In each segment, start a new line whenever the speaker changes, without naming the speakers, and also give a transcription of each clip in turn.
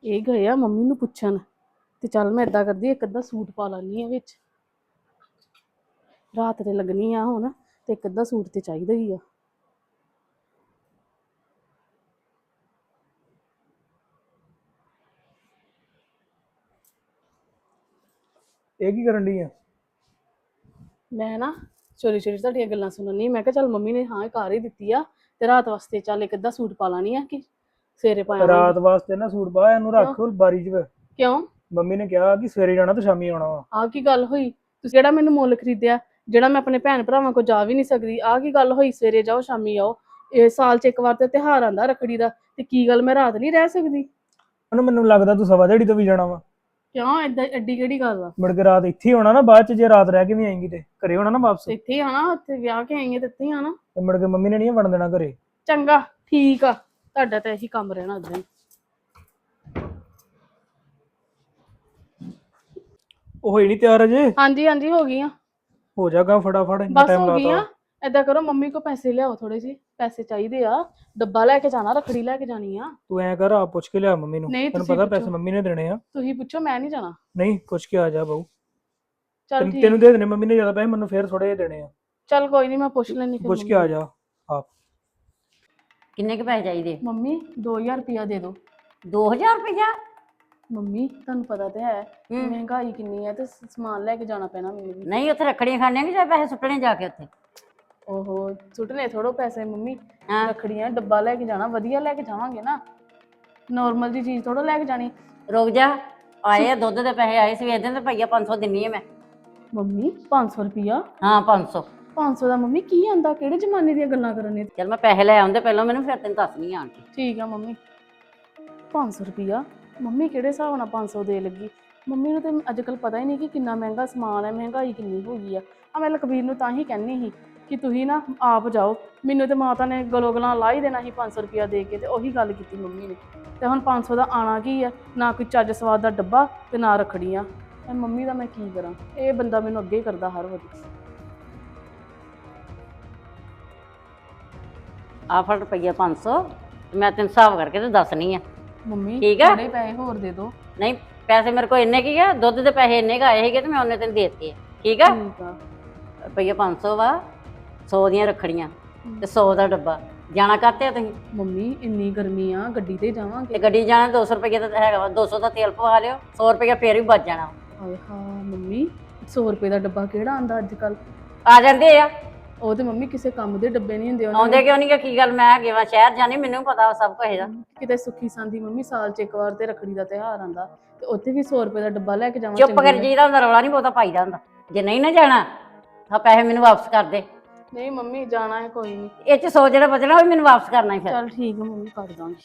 ਇਹ ਗਏ ਆ ਮੰਮੀ ਨੂੰ ਪੁੱਛਣ ਤੇ ਚੱਲ ਮੈਂ ਏਦਾਂ ਕਰਦੀ ਇੱਕ ਅੱਧਾ ਸੂਟ ਪਾ ਲੈਣੀ ਆ ਵਿੱਚ। ਰਾਤ ਤੇ ਲੱਗਣੀ ਆ ਹੁਣ ਤੇ ਇੱਕ ਅੱਧਾ ਸੂਟ ਤੇ ਚਾਹੀਦਾ ਹੀ ਆ।
ਇਹ ਕੀ ਕਰਨ ਡਈ ਆ?
ਮੈਂ ਨਾ ਚੋਰੀ ਚੋਰੀ ਤੁਹਾਡੀਆਂ ਗੱਲਾਂ ਸੁਣਨੀ। ਮੈਂ ਕਿਹਾ ਚੱਲ ਮੰਮੀ ਨੇ ਹਾਂ ਕਰ ਹੀ ਦਿੱਤੀ ਆ ਤੇ ਰਾਤ ਵਾਸਤੇ ਚੱਲ ਇੱਕ ਅੱਧਾ ਸੂਟ ਪਾ ਲਾਣੀ ਆ ਕਿ ਸਵੇਰੇ ਪਾਵਾਂਗੀ।
ਰਾਤ ਵਾਸਤੇ ਨਾ ਸੂਟ ਪਾ, ਇਹਨੂੰ
ਕਿਉਂ?
ਰੱਖ ਬਾਰੀ 'ਚ।
ਕਿਉਂ?
ਮੰਮੀ ਨੇ ਕਿਹਾ ਕਿ ਸਵੇਰੇ ਜਾਣਾ ਤੇ ਸ਼ਾਮੀ ਆਉਣਾ ਵਾ।
ਆਹ ਕੀ ਗੱਲ ਹੋਈ? ਤੁਸੀਂ ਜਿਹੜਾ ਮੈਨੂੰ ਮੁੱਲ ਖਰੀਦਿਆ, ਜਿਹੜਾ ਮੈਂ ਆਪਣੇ ਭੈਣ ਭਰਾਵਾਂ ਕੋਲ ਜਾ ਵੀ ਨਹੀਂ ਸਕਦੀ, ਆਹ ਕੀ ਗੱਲ ਹੋਈ? ਸਵੇਰੇ ਜਾਓ ਸ਼ਾਮੀ ਆਓ। ਇਹ ਸਾਲ 'ਚ ਇੱਕ ਵਾਰ ਤੇ ਤਿਉਹਾਰ ਆਂਦਾ ਰੱਖੜੀ ਦਾ, ਤੇ ਕੀ ਗੱਲ ਮੈਂ ਰਾਤ ਨਹੀਂ ਰਹਿ ਸਕਦੀ?
ਉਹਨੂੰ ਮੈਨੂੰ ਲੱਗਦਾ ਤੂੰ ਸਵਾ ਦਿਹਾੜੀ ਤੋਂ ਵੀ ਜਾਣਾ ਵਾ।
ਕਿਉਂ? ਏਦਾਂ ਐਡੀ ਕਿਹੜੀ ਗੱਲ ਆ?
ਮੁੜ ਕੇ ਰਾਤ ਇੱਥੇ ਹੀ ਹੋਣਾ ਨਾ, ਬਾਅਦ 'ਚ ਜੇ ਰਾਤ ਰਹਿ ਕੇ ਵੀ ਆਏਂਗੀ ਤੇ ਘਰੇ ਹੋਣਾ ਨਾ ਵਾਪਸ।
ਤੇ ਇੱਥੇ ਹੀ ਆਣਾ, ਉੱਥੇ ਵਿਆਹ ਕੇ ਆਈ ਆ ਤੇ ਇੱਥੇ ਹੀ ਆਣਾ।
ਤੇ ਮੁੜ ਕੇ ਮੰਮੀ ਨੇ ਨਹੀਂ ਵੜਨ ਦੇਣਾ ਘਰੇ।
ਚੰਗਾ ਠੀਕ ਆ, ਤੁਹਾਡਾ ਤਾਂ ਇਹੀ ਕੰਮ ਰਹਿਣਾ ਉਦਾਂ ਹੀ।
ਉਹ ਹੋਈ ਨਹੀਂ ਤਿਆਰ ਅਜੇ?
ਹਾਂਜੀ ਹਾਂਜੀ ਹੋ ਗਈਆਂ।
ਹੋ ਜਾਗਾ ਫਟਾਫਟ, ਇੰਨਾ
ਬਸ
ਟਾਈਮ
ਹੋ ਗਈਆਂ।
ਲਾਤਾ।
ਏਦਾਂ ਕਰੋ ਮੰਮੀ ਕੋ ਪੈਸੇ ਲਿਆਓ, ਥੋੜੇ ਜਿਹੇ ਪੈਸੇ ਚਾਹੀਦੇ ਆ। ਡੱਬਾ ਲੈ ਕੇ ਜਾਣਾ, ਰੱਖੜੀ ਲੈ ਕੇ ਜਾਣੀ ਆ।
ਤੂੰ ਐਂ ਕਰ, ਆਪ ਪੁੱਛ ਕੇ ਲਿਆ ਮੰਮੀ ਨੂੰ,
ਨਹੀਂ
ਤੈਨੂੰ
ਤੁਸੀਂ
ਪਤਾ
ਪੁੱਛੋ,
ਪੈਸੇ ਮੰਮੀ ਨੇ ਦੇਣੇ ਆ।
ਤੁਸੀਂ ਪੁੱਛੋ, ਮੈਂ ਨਹੀਂ ਜਾਣਾ।
ਨਹੀਂ ਪੁੱਛ ਕੇ ਆ ਜਾ ਬਾਊ।
ਚੱਲ
ਤੈਨੂੰ
ਠੀਕ।
ਦੇ ਦੇਣੇ ਮੰਮੀ ਨੇ ਜ਼ਿਆਦਾ ਪੈਸੇ, ਮੈਨੂੰ ਫੇਰ ਥੋੜੇ ਜਿਹੇ ਦੇਣੇ ਆ।
ਚੱਲ ਕੋਈ ਨਹੀਂ, ਮੈਂ ਪੁੱਛ ਲੈਣੀ ਫਿਰ
ਪੁੱਛ ਕੇ
ਮੰਮੀ
ਆ
ਨੂੰ।
ਜਾ ਆਪ।
ਕਿੰਨੇ ਕੁ ਪੈਸੇ ਚਾਹੀਦੇ?
ਮੰਮੀ 2000 ਰੁਪਇਆ ਦੇ ਦਿਓ।
2000 ਰੁਪਇਆ?
ਮੰਮੀ ਤੁਹਾਨੂੰ ਪਤਾ ਤੇ ਹੈ
ਹੂੰ।
ਮਹਿੰਗਾਈ ਕਿੰਨੀ ਹੈ ਤੇ ਸਮਾਨ ਲੈ ਕੇ ਜਾਣਾ ਪੈਣਾ ਮੈਨੂੰ ਵੀ।
ਨਹੀਂ ਉੱਥੇ ਰੱਖੜੀਆਂ ਖਾਣੀਆਂ ਕਿ ਜਾਂ ਪੈਸੇ ਸੁੱਟਣੇ ਜਾ ਕੇ ਉੱਥੇ?
ਓਹੋ ਸੁੱਟਨੇ ਥੋੜੋ ਪੈਸੇ ਮੰਮੀ।
ਹਾਂ।
ਰੱਖੜੀਆਂ ਡੱਬਾ ਲੈ ਕੇ ਜਾਣਾ, ਵਧੀਆ ਲੈ ਕੇ ਜਾਵਾਂਗੇ ਨਾ, ਨੋਰਮਲ ਜੀ ਚੀਜ਼ ਥੋੜੋ ਲੈ ਕੇ ਜਾਣੀ।
ਰੁਕ ਜਾ, ਆਏ ਆ ਦੁੱਧ ਦੇ ਪੈਸੇ ਆਏ ਸਵੇਰ ਦੇ, ਤੇ ਭਈਆ 500 ਦਿੰਨੀ ਆ ਮੈਂ।
ਮੰਮੀ 500 ਰੁਪਇਆ?
ਹਾਂ 500।
500 ਦਾ ਮੰਮੀ ਕੀ ਆਂਦਾ? ਕਿਹੜੇ ਜ਼ਮਾਨੇ ਦੀਆਂ ਗੱਲਾਂ ਕਰਨ ਨੇ?
ਚਲ ਮੈਂ ਪੈਸੇ ਲੈ ਆਉਂਦੇ ਪਹਿਲਾਂ ਮੈਨੂੰ, ਫਿਰ ਤੈਨੂੰ ਦੱਸਣੀ ਆਣ ਕੇ।
ਠੀਕ ਆ ਮੰਮੀ। 500 ਰੁਪਇਆ ਮੰਮੀ ਕਿਹੜੇ ਹਿਸਾਬ ਨਾਲ 500 ਦੇ ਲੱਗੀ? ਮੰਮੀ ਨੂੰ ਤੇ ਅੱਜ ਕੱਲ ਪਤਾ ਹੀ ਨਹੀਂ ਕਿ ਕਿੰਨਾ ਮਹਿੰਗਾ ਸਮਾਨ ਹੈ, ਮਹਿੰਗਾਈ ਕਿੰਨੀ ਹੋ ਗਈ ਆ। ਮੈਂ ਲਖਬੀਰ ਨੂੰ ਤਾਂ ਹੀ ਕਹਿੰਦੀ ਸੀ ਕਿ ਤੁਸੀਂ ਨਾ ਆਪ ਜਾਓ। ਮੈਨੂੰ ਤੇ ਮਾਤਾ ਨੇ ਗਲੋਂ ਗਲਾਂ ਲਾ ਹੀ ਦੇਣਾ ਸੀ 500 ਰੁਪਇਆ ਦੇ ਕੇ, ਤੇ ਉਹੀ ਗੱਲ ਕੀਤੀ ਮੰਮੀ ਨੇ। ਤੇ ਹੁਣ 500 ਦਾ ਆਣਾ ਕੀ ਆ? ਨਾ ਕੋਈ ਚੱਜ ਸਵਾਦ ਦਾ ਡੱਬਾ ਤੇ ਨਾ ਰੱਖੜੀਆਂ। ਮੰਮੀ ਦਾ ਮੈਂ ਕੀ ਕਰਾਂ? ਇਹ ਬੰਦਾ ਮੈਨੂੰ ਅੱਗੇ ਹੀ ਕਰਦਾ ਹਰ ਵਾਰੀ।
ਆ ਫੜ ਰੁਪਈਆ 500, ਤੇ ਮੈਂ ਤੈਨੂੰ ਹਿਸਾਬ ਕਰਕੇ ਤੇ ਦੱਸਣੀ ਆ।
ਮੰਮੀ
ਠੀਕ ਆ।
ਥੋੜੇ ਪੈਸੇ ਹੋਰ ਦੇ ਦਿਓ।
ਨਹੀਂ ਪੈਸੇ ਮੇਰੇ ਕੋਲ ਇੰਨੇ ਕੀ ਆ, ਦੁੱਧ ਦੇ ਪੈਸੇ ਇੰਨੇ ਕੁ ਆਏ ਸੀਗੇ ਤੇ ਮੈਂ ਉਹਨੇ ਤੈਨੂੰ ਦੇ ਦਿੱਤੇ ਆ। ਠੀਕ ਆ।
ਠੀਕ ਆ।
ਰੁਪਈਆ 500 ਵਾ, 100 ਦੀਆਂ ਰੱਖੜੀਆਂ ਤੇ 100 ਦਾ ਡੱਬਾ। ਜਾਣਾ ਕਾਹਤੇ ਆ ਤੁਸੀਂ?
ਮੰਮੀ ਇੰਨੀ ਗਰਮੀ ਆ, ਗੱਡੀ ਤੇ
ਤੇ
ਜਾਵਾਂਗੇ।
ਗੱਡੀ ਜਾਣਾ 200 ਰੁਪਈਆ ਤਾਂ ਹੈਗਾ ਵਾ, 200 ਦਾ ਤੇਲ ਪਵਾ ਲਿਓ, 100 ਰੁਪਈਆ ਫੇਰ ਵੀ ਬਚ ਜਾਣਾ।
ਹਾਏ ਹਾਂ ਮੰਮੀ, 100 ਰੁਪਏ ਦਾ ਡੱਬਾ ਕਿਹੜਾ ਆਂਦਾ ਅੱਜ ਕੱਲ?
ਆ ਜਾਂਦੇ ਆ।
ਉਹ ਤੇ ਮੰਮੀ ਕਿਸੇ ਕੰਮ ਦੇ ਡੱਬੇ ਨਹੀਂ ਹੁੰਦੇ ਉਹਨਾਂ
ਆਉਂਦੇ ਕਿਉਂ ਨਹੀਂ? ਕੀ ਗੱਲ, ਮੈਂ ਹੈਗੇ ਵਾ ਸ਼ਹਿਰ ਜਾਣੀ, ਮੈਨੂੰ ਪਤਾ ਵਾ ਸਭ ਕੁਝ ਇਹਦਾ।
ਕਿਤੇ ਸੁੱਖੀ ਸਾਂਦੀ ਮੰਮੀ ਸਾਲ 'ਚ ਇੱਕ ਵਾਰ ਤੇ ਰੱਖੜੀ ਦਾ ਤਿਉਹਾਰ ਆਂਦਾ, ਤੇ ਉੱਥੇ ਵੀ 100 ਰੁਪਏ ਦਾ ਡੱਬਾ ਲੈ ਕੇ ਜਾਵਾਂ
ਚੁੱਪ ਕਰ
ਚੰਗੀ?
ਜੀਦਾ ਹੁੰਦਾ, ਰੌਲਾ ਨਹੀਂ ਬਹੁਤਾ ਪਾਈਦਾ ਹੁੰਦਾ। ਜੇ ਨਹੀਂ ਨਾ ਜਾਣਾ ਤਾਂ ਪੈਸੇ ਮੈਨੂੰ ਵਾਪਸ ਕਰ ਦੇ।
ਨਹੀਂ ਮੰਮੀ ਜਾਣਾ ਹੈ, ਕੋਈ ਨਹੀਂ।
ਇਹ ਚ 100 ਜਿਹੜਾ ਬਚਣਾ ਉਹ ਵੀ ਮੈਨੂੰ ਵਾਪਸ ਕਰਨਾ ਹੀ ਫਿਰ।
ਚੱਲ ਠੀਕ ਹੈ ਮੰਮੀ, ਕਰ ਦਾਂਗੀ।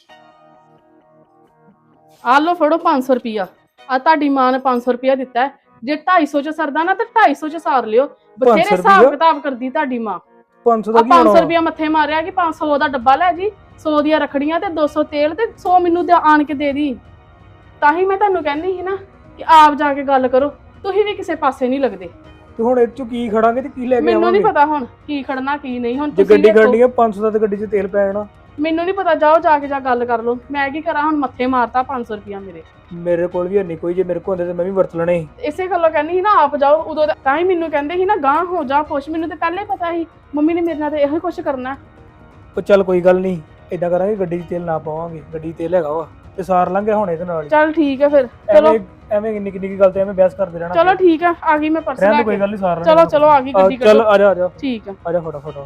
ਆ ਲਓ ਫੜੋ 500 ਰੁਪਇਆ। ਆ ਤੁਹਾਡੀ ਮਾਂ ਨੇ 500 ਰੁਪਇਆ ਦਿੱਤਾ ਹੈ। ਜੇ 250 ਚ ਸਰਦਾ ਨਾ ਤੇ 250 ਚ ਸਾਰ ਲਿਓ। ਬਥੇਰੇ ਹਿਸਾਬ ਕਿਤਾਬ ਕਰਦੀ ਤੁਹਾਡੀ ਮਾਂ।
500 ਦਾ ਕੀ
500
ਹੋਣਾ?
ਰੁਪਇਆ ਮੱਥੇ ਮਾਰਿਆ ਕਿ 500 ਦਾ ਡੱਬਾ ਲੈ ਜੀ, 100 ਦੀਆਂ ਰੱਖੜੀਆਂ ਤੇ 200 ਤੇਲ ਤੇ 100 ਮੈਨੂੰ ਆਣ ਕੇ ਦੇ ਦੀ। ਤਾਂ ਹੀ ਮੈਂ ਤੁਹਾਨੂੰ ਕਹਿੰਦੀ ਸੀ ਨਾ ਕਿ ਆਪ ਜਾ ਕੇ ਗੱਲ ਕਰੋ, ਤੁਸੀਂ ਵੀ ਕਿਸੇ ਪਾਸੇ ਨਹੀਂ ਲੱਗਦੇ।
ਤੇ ਹੁਣ ਇਹ ਚੋਂ ਕੀ ਖੜਾਂਗੇ ਤੇ ਕੀ ਲੈ ਕੇ
ਮੈਨੂੰ ਨਹੀਂ
ਆਵਾਂਗੇ?
ਪਤਾ ਹੁਣ ਕੀ ਖੜਨਾ ਕੀ ਨਹੀਂ। ਹੁਣ
ਜੇ
ਤੁਸੀਂ
ਗੱਡੀ
ਵੇਖੋ,
ਖੜਨੀ ਆ 500 ਦਾ ਤੇ ਗੱਡੀ 'ਚ ਤੇਲ ਪੈ ਜਾਣਾ।
ਮੈਨੂੰ ਨਹੀਂ ਪਤਾ, ਜਾਓ ਜਾ ਕੇ ਗੱਲ ਕਰ ਲਓ। ਮੈਂ ਕੀ ਕਰਾਂ ਹੁਣ? ਮੱਥੇ ਮਾਰਤਾ 500 ਰੁਪਇਆ ਮੇਰੇ।
ਮੇਰੇ ਕੋਲ ਵੀ ਨਹੀਂ ਕੋਈ, ਜੇ ਮੇਰੇ ਕੋਲ ਹੁੰਦੇ ਤੇ ਮੈਂ ਵੀ ਵਰਤ ਲੈਣੇ ਸੀ।
ਇਸੇ ਗੱਲੋਂ ਕਹਿੰਦੀ ਸੀ ਨਾ ਆਪ ਜਾਓ ਉਦੋਂ ਤਾਂ ਹੀ ਮੈਨੂੰ ਕਹਿੰਦੇ ਸੀ ਨਾ ਗਾਂਹ ਹੋ ਜਾ ਪੁੱਛ। ਮੈਨੂੰ ਤਾਂ ਪਹਿਲਾਂ ਹੀ ਪਤਾ ਸੀ ਮੰਮੀ ਨੇ ਮੇਰੇ ਨਾਲ ਤੇ ਇਹੋ ਹੀ ਕੁਛ ਕਰਨਾ।
ਉਹ ਚੱਲ ਕੋਈ ਗੱਲ ਨਹੀਂ, ਏਦਾਂ ਕਰਾਂਗੇ ਗੱਡੀ 'ਚ ਤੇਲ ਨਾ ਪਾਵਾਂਗੇ, ਗੱਡੀ 'ਚ ਤੇਲ ਹੈਗਾ ਵਾ ਤੇ ਸਾਰ ਲਾਂਗੇ ਹੁਣ ਇਹਦੇ ਨਾਲ ਹੀ।
ਚੱਲ ਠੀਕ ਹੈ ਫਿਰ, ਚਲੋ।
ਐਵੇਂ ਨਿੱਕੀ ਨਿੱਕੀ ਗੱਲ ਤੇ ਐਵੇਂ ਬਹਿਸ ਕਰਦੇ ਰਹਿਣਾ।
ਚਲੋ ਠੀਕ ਹੈ, ਆ ਗਈ ਮੈਂ ਪਰਸ ਲੈ
ਰਹਿਣ ਦੇ,
ਕੇ।
ਕੋਈ ਗੱਲ ਨਹੀਂ, ਸਾਰ ਲਾਂਗੇ।
ਚਲੋ ਚਲੋ ਆ ਗਈ ਗੱਡੀ,
ਚੱਲ ਆ ਜਾ ਆ ਜਾ
ਠੀਕ ਹੈ।
ਆ ਜਾ ਫਟਾਫਟ।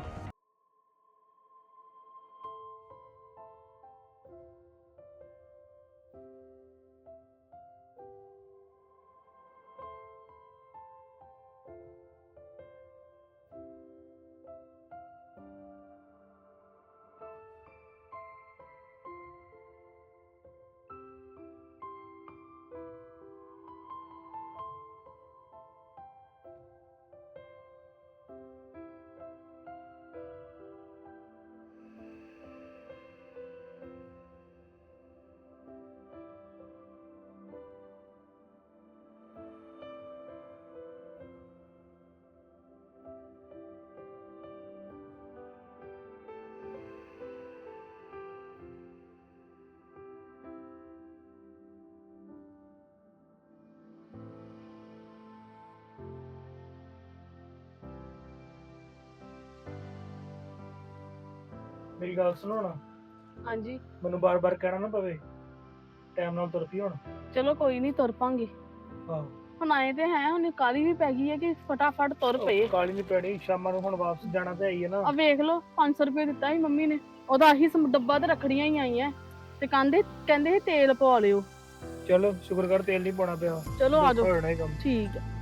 ਮੇਰੀ ਗੱਲ ਸੁਣੋ ਹੁਣ,
ਹਾਂਜੀ
ਮੈਨੂੰ ਬਾਰ-ਬਾਰ ਕਹਿਣਾ ਨਾ ਪਵੇ, ਟਾਈਮ ਨਾਲ ਤੁਰ ਪਈ ਹੁਣ।
ਚਲੋ ਕੋਈ ਨਹੀਂ ਤੁਰ ਪਾਂਗੇ।
ਆਹੋ
ਹੁਣ ਆਏ ਤੇ ਹੈ, ਹੁਣ ਕਾਲੀ ਵੀ ਪੈ ਗਈ ਹੈ ਕਿ ਫਟਾਫਟ ਤੁਰ ਪਏ।
ਕਾਲੀ ਨਹੀਂ ਪੈਣੀ, ਸ਼ਾਮਾਂ ਨੂੰ ਹੁਣ ਵਾਪਸ ਜਾਣਾ ਤੇ ਆਈ ਹੈ ਨਾ।
ਆ ਵੇਖ ਲਓ 500 ਰੁਪਏ ਦਿੱਤਾ ਸੀ ਮੰਮੀ ਨੇ, ਉਹਦਾ ਆਹੀ ਡੱਬਾ ਤੇ ਰੱਖੜੀਆਂ ਹੀ ਆਈਆਂ ਤੇ ਕਹਿੰਦੇ ਸੀ ਤੇਲ ਪਵਾ ਲਿਓ।
ਚਲੋ ਸ਼ੁਕਰ ਕਰ ਤੇਲ ਨਹੀਂ ਪਾਉਣਾ ਪਿਆ।
ਚਲੋ ਆ
ਦੇਖੋ
ਜਾਓ।
ਹੋਣਾ ਹੀ ਕੰਮ।
ਠੀਕ ਹੈ।